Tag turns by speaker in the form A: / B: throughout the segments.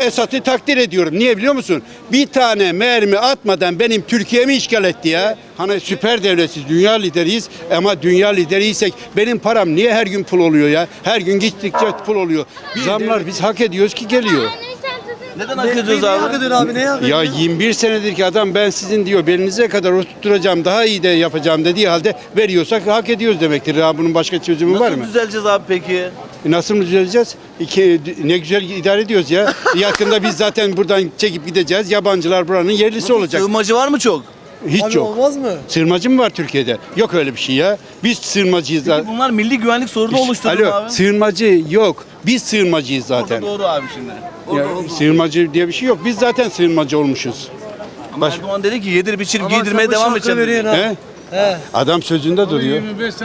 A: Esad'ı takdir ediyorum. Niye biliyor musun? Bir tane mermi atmadan benim Türkiye'mi işgal etti ya. Hani süper devletiz, dünya lideriyiz ama dünya lideriysek benim param niye her gün pul oluyor ya? Her gün gittikçe pul oluyor. Zamlar biz hak ediyoruz ki geliyor.
B: Neden hak ediyoruz abi?
C: Hak ediyor abi, neye hak ediyor?
A: Ya 21 senedir ki adam ben sizin diyor belinize kadar oturtturacağım, daha iyi de yapacağım dediği halde veriyorsak hak ediyoruz demektir. Ya bunun başka çözümü var mı?
B: Nasıl düzeleceğiz abi peki?
A: Nasıl mı düzeleceğiz? Ne güzel idare ediyoruz ya. Yakında biz zaten buradan çekip gideceğiz. Yabancılar buranın yerlisi olacak.
B: Sığınmacı var mı çok?
A: Hiç
C: Abi
A: yok.
C: olmaz mı?
A: Sığınmacı mı var Türkiye'de? Yok öyle bir şey ya. Biz sığınmacıyız
B: Peki
A: zaten.
B: bunlar milli güvenlik sorunu oluşturdu mu
A: Alo,
B: abi?
A: sığınmacı yok. Biz sığınmacıyız zaten.
B: Orada doğru abi şimdi.
A: Ya, sığınmacı diye bir şey yok. Biz zaten sığınmacı olmuşuz.
B: Ama Erdoğan dedi ki yedir biçir
C: Ama
B: giydirmeye
C: sen bu
B: devam
C: şarkı
B: edeceğim dedi.
C: veriyorsun ha.
A: He?
C: He.
A: Adam sözünde duruyor.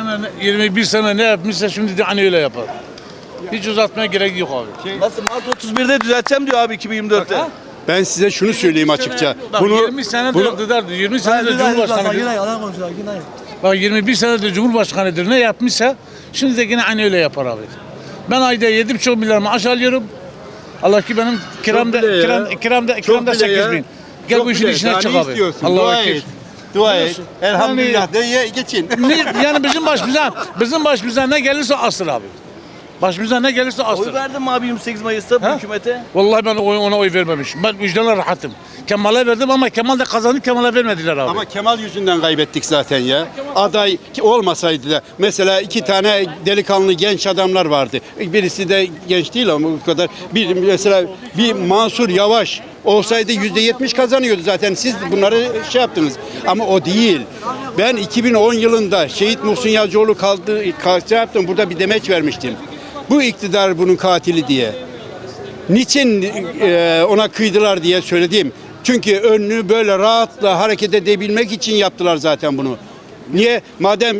D: 21 sene ne yapmışsa şimdi de hani öyle yapar. Hiç uzatmaya gerek yok abi.
B: Nasıl Mart 31'de düzelteceğim diyor abi 2024'te.
A: Ben size şunu söyleyeyim açıkça.
D: Bak 20 senedir iktidardır, 20 senedir Cumhurbaşkanıdır.
C: Yalan konuşuyor, yine.
D: Bak 21 senedir Cumhurbaşkanıdır, ne yapmışsa şimdi de yine aynı öyle yapar abi. Ben ayda 7,5 milyar maaş alıyorum. Allah ki benim kiramda
A: bile ya.
D: kiramda
A: bile ya.
D: 8 bin. Gel bu işin içine çık abi.
A: Dua
D: Allah'a
A: et.
D: ekber.
A: Dua et. Elhamdülillah de ye, geçin.
D: Yani bizim başımıza ne gelirse asır abi. Başımıza ne gelirse asır.
B: Oy verdin mi abi 28 Mayıs'ta bu
D: Ha?
B: hükümete?
D: Vallahi ben ona oy vermemişim. Ben vicdanla rahatım. Kemal'e verdim ama Kemal de kazandı, Kemal'e vermediler abi.
A: Ama Kemal yüzünden kaybettik zaten ya. Aday olmasaydı da mesela iki tane delikanlı genç adamlar vardı. Birisi de genç değil ama bu kadar. Bir mesela bir Mansur Yavaş olsaydı %70 kazanıyordu zaten. Siz bunları şey yaptınız. Ama o değil. Ben 2010 yılında Şehit Muhsin Yazıcıoğlu şey yaptım. Burada bir demeç vermiştim. Bu iktidar bunun katili diye. Niçin ona kıydılar diye söyledim. Çünkü önünü böyle rahatla hareket edebilmek için yaptılar zaten bunu. Niye? Madem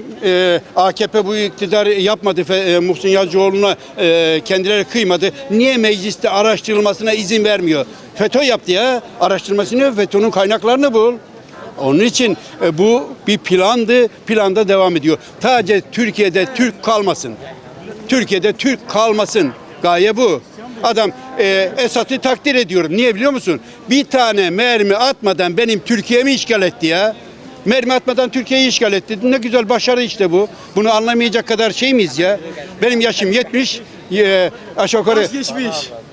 A: AKP bu iktidarı yapmadı, Muhsin Yazıcıoğlu'na kendileri kıymadı, niye mecliste araştırılmasına izin vermiyor? FETÖ yaptı ya, araştırmasını, FETÖ'nün kaynaklarını bul. Onun için bu bir plandı, planda devam ediyor. Sadece Türkiye'de Türk kalmasın. Türkiye'de Türk kalmasın. Gaye bu. Adam Esad'ı takdir ediyorum. Niye biliyor musun? Bir tane mermi atmadan benim Türkiye'mi işgal etti ya. Mermi atmadan Türkiye'yi işgal etti. Ne güzel başarı işte bu. Bunu anlamayacak kadar şey miyiz ya? Benim yaşım 70. Aşağı yukarı
C: Geçmiş.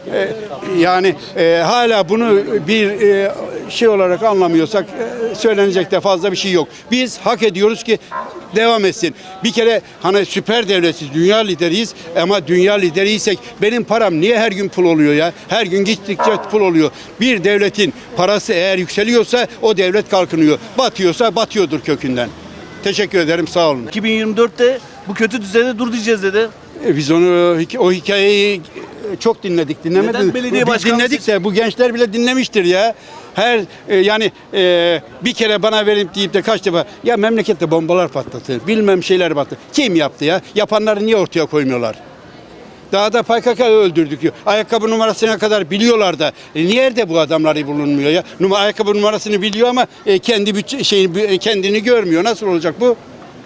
A: yani hala bunu bir şey olarak anlamıyorsak söylenecek de fazla bir şey yok. Biz hak ediyoruz ki devam etsin. Bir kere hani süper devletiz, dünya lideriyiz ama dünya lideriysek benim param niye her gün pul oluyor ya? Her gün gittikçe pul oluyor. Bir devletin parası eğer yükseliyorsa o devlet kalkınıyor. Batıyorsa batıyordur kökünden. Teşekkür ederim, sağ olun.
B: 2024'te bu kötü düzende dur diyeceğiz dedi.
A: Biz o hikayeyi çok dinledik. Dinlemediniz.
B: Neden belediye
A: Biz
B: başkanlığı
A: dinledik de bu gençler bile dinlemiştir ya. Her yani bir kere bana verip deyip de kaç defa ya memlekette bombalar patlatır. Bilmem şeyler patlatır. Kim yaptı ya? Yapanları niye ortaya koymuyorlar? Daha da PKK öldürdük diyor. Ayakkabı numarasına kadar biliyorlar da. Nerede bu adamları bulunmuyor ya? Ayakkabı numarasını biliyor ama kendini görmüyor. Nasıl olacak bu?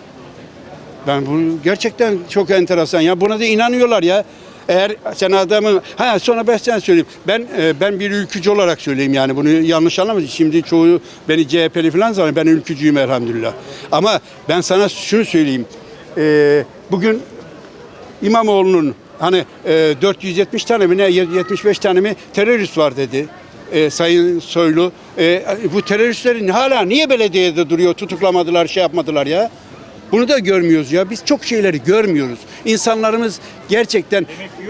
A: Ben bu gerçekten çok enteresan ya. Buna da inanıyorlar ya. Eğer sen adamın sonra ben sana söyleyeyim. Ben bir ülkücü olarak söyleyeyim yani bunu yanlış anlamayın. Şimdi çoğu beni CHP'li falan sanıyor. Ben ülkücüyüm elhamdülillah. Ama ben sana şunu söyleyeyim. Bugün İmamoğlu'nun hani 470 tane mi ne 75 tane mi terörist var dedi. Sayın Soylu. Bu teröristlerin hala niye belediyede duruyor? Tutuklamadılar, şey yapmadılar ya. Bunu da görmüyoruz ya. Biz çok şeyleri görmüyoruz. İnsanlarımız gerçekten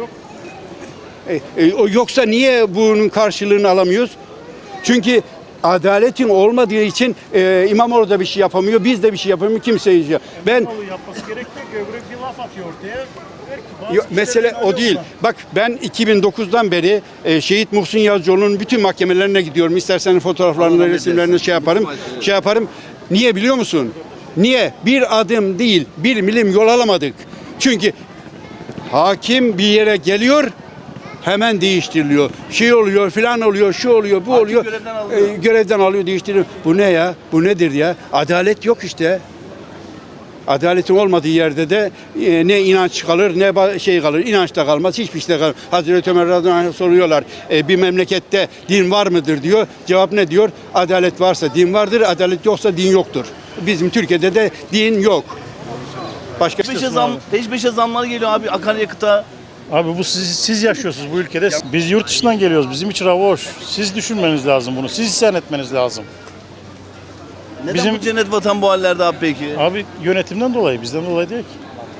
A: yoksa niye bunun karşılığını alamıyoruz? Çünkü adaletin olmadığı için İmamoğlu da bir şey yapamıyor, biz de bir şey yapamıyoruz, kimse yapıyor. Ben
E: yapması gerektiği göbrek bir laf atıyor ortaya.
A: mesele o değil. Bak ben 2009'dan beri Şehit Muhsin Yazıcıoğlu'nun bütün mahkemelerine gidiyorum. İstersen fotoğraflarını, resimlerini şey yaparım. Niye biliyor musun? Niye? Bir adım değil, bir milim yol alamadık. Çünkü hakim bir yere geliyor, hemen değiştiriliyor. Şey oluyor, filan oluyor, şu oluyor, bu oluyor. Görevden alıyor, değiştiriyor. Bu ne ya? Bu nedir ya? Adalet yok işte. Adaletin olmadığı yerde de ne inanç kalır ne şey kalır. İnanç da kalmaz, hiçbir şey de kalmaz. Hazreti Ömer radıyallahu anh soruyorlar. Bir memlekette din var mıdır diyor. Cevap ne diyor? Adalet varsa din vardır, adalet yoksa din yoktur. Bizim Türkiye'de de din yok. Başka
B: Peş peşe zamlar geliyor abi akaryakıta.
E: Abi bu siz yaşıyorsunuz bu ülkede. Biz yurt dışından geliyoruz. Bizim için hava hoş. Siz düşünmeniz lazım bunu. Siz isyan etmeniz lazım.
B: Neden
E: Bizim-
B: bu cennet vatan bu hallerde abi peki?
E: Abi yönetimden dolayı, bizden dolayı değil ki.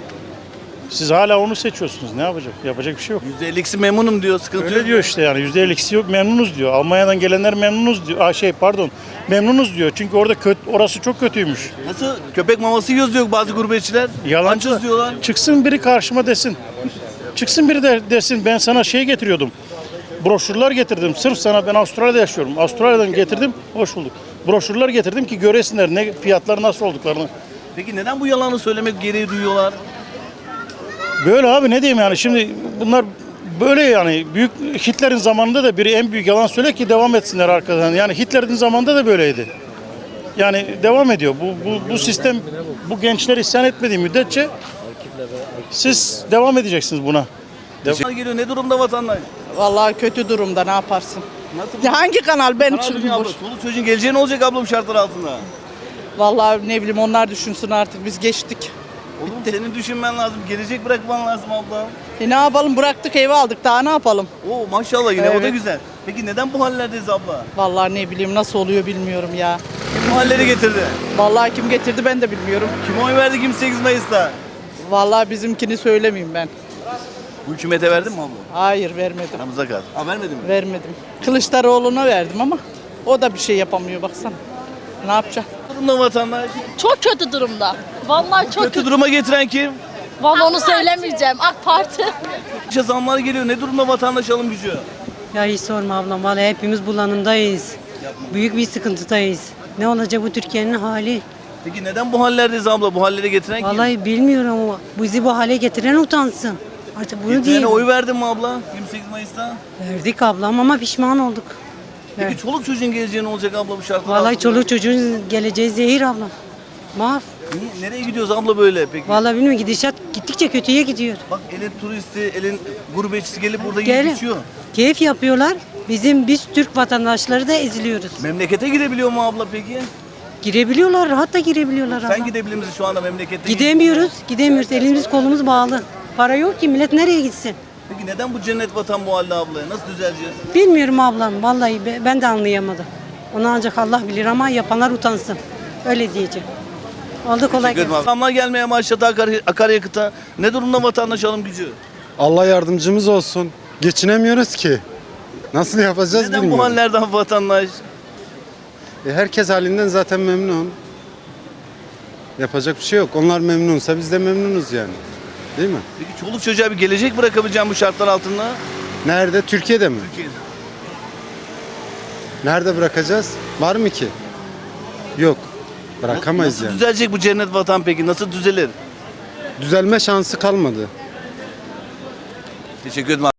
E: Siz hala onu seçiyorsunuz. Ne yapacak? Yapacak bir şey yok.
B: %50'si memnunum diyor, sıkıntı
E: Öyle
B: yok.
E: diyor işte yani %50'si yok, memnunuz diyor. Almanya'dan gelenler memnunuz diyor. Memnunuz diyor. Çünkü orada orası çok kötüymüş.
B: Nasıl? Köpek maması yiyoruz diyor bazı gurbetçiler.
E: Yalancı.
B: Açız diyorlar.
E: Çıksın biri karşıma desin. Çıksın biri de desin ben sana şey getiriyordum. Broşürler getirdim. Sırf sana, ben Avustralya'da yaşıyorum. Avustralya'dan getirdim. Hoş bulduk. Broşürler getirdim ki göresinler ne fiyatları nasıl olduklarını.
B: Peki neden bu yalanı söylemek gereği duyuyorlar?
E: Böyle abi, ne diyeyim yani, şimdi bunlar böyle yani. Büyük Hitler'in zamanında da biri en büyük yalan söyle ki devam etsinler arkadan. Yani Hitler'in zamanında da böyleydi. Yani devam ediyor. Bu sistem, bu gençler isyan etmediği müddetçe siz devam edeceksiniz buna.
B: Zamlar geliyor, ne durumda vatandaş?
F: Vallahi kötü durumda, ne yaparsın?
B: Nasıl?
F: Ya hangi kanal ben
B: Karar
F: çıkmış?
B: dünya abla. Çoluk çocuğun geleceği ne olacak abla bu şartlar altında?
F: Vallahi ne bileyim, onlar düşünsün artık, biz geçtik.
B: Oğlum senin düşünmen lazım. Gelecek bırakman lazım abla.
F: Ne yapalım, bıraktık eve aldık, daha ne yapalım?
B: Oo maşallah, yine o da
F: Evet.
B: güzel. Peki neden bu hallerdeyiz abla?
F: Vallahi ne bileyim, nasıl oluyor bilmiyorum ya.
B: Kim bu halleri getirdi?
F: Vallahi kim getirdi ben de bilmiyorum.
B: Kim oy verdi 28 Mayıs'ta?
F: Vallahi bizimkini söylemeyeyim ben.
B: Bu hükümete verdin mi abla?
F: Hayır, vermedim.
B: Aramıza kal. Ha vermedin mi?
F: Vermedim. Kılıçdaroğlu'na verdim ama o da bir şey yapamıyor, baksana. Ne yapacak?
B: Durumda vatandaş.
G: Çok kötü durumda. Vallahi çok
B: Kötü
G: kötü.
B: duruma getiren kim?
G: Vallahi onu söylemeyeceğim. AK Parti.
B: İşte zamlar geliyor. Ne durumda vatandaş alım gücü?
H: Ya hiç sorma ablam. Vallahi hepimiz bulanımdayız. Büyük bir sıkıntıdayız. Ne olacak bu Türkiye'nin hali?
B: Peki neden bu hallerdeyiz abla? Bu hallere getiren kim?
H: Vallahi bilmiyorum ama bizi bu hale getiren utansın. Artık bunu
B: Getirene
H: diyeyim.
B: oy verdin mi abla 28 Mayıs'ta?
H: Verdik ablam ama pişman olduk.
B: Peki
H: Evet.
B: çoluk çocuğun geleceği ne olacak abla bu şartlar
H: Vallahi
B: altında?
H: çoluk çocuğun geleceği zehir ablam. Mahv.
B: Nereye gidiyoruz abla böyle peki?
H: Vallahi bilmiyorum, gidişat gittikçe kötüye gidiyor.
B: Bak elin turisti, elin gurbetçisi gelip burada
H: Gelin.
B: yiyip içiyor.
H: Keyif yapıyorlar. Biz Türk vatandaşları da eziliyoruz.
B: Memlekete gidebiliyor mu abla peki?
H: Girebiliyorlar, rahat da girebiliyorlar
B: Sen
H: ablam.
B: gidebilir misin şu anda memlekette?
H: Gidemiyoruz. Elimiz kolumuz bağlı. Para yok ki, millet nereye gitsin?
B: Peki neden bu cennet vatan bu halde abla? Nasıl düzeleceğiz?
H: Bilmiyorum ablam, vallahi ben de anlayamadım. Onu ancak Allah bilir ama yapanlar utansın. Öyle diyeceğim. Oldu, kolay gelsin.
B: Zamlar gelmeye başladı akaryakıta. Ne durumda vatandaş alım gücü?
I: Allah yardımcımız olsun. Geçinemiyoruz ki. Nasıl yapacağız
B: Neden bu
I: bilmiyorum.
B: hallerden vatandaş?
I: Herkes halinden zaten memnun. Yapacak bir şey yok. Onlar memnunsa biz de memnunuz yani. Değil mi?
B: Peki çoluk çocuğa bir gelecek bırakabileceğim bu şartlar altında?
I: Nerede? Türkiye'de mi?
B: Türkiye'de.
I: Nerede bırakacağız? Var mı ki? Yok. Bırakamayız
B: Nasıl
I: yani.
B: düzelecek bu cennet vatan peki? Nasıl düzelir?
I: Düzelme şansı kalmadı.
B: Teşekkür ederim.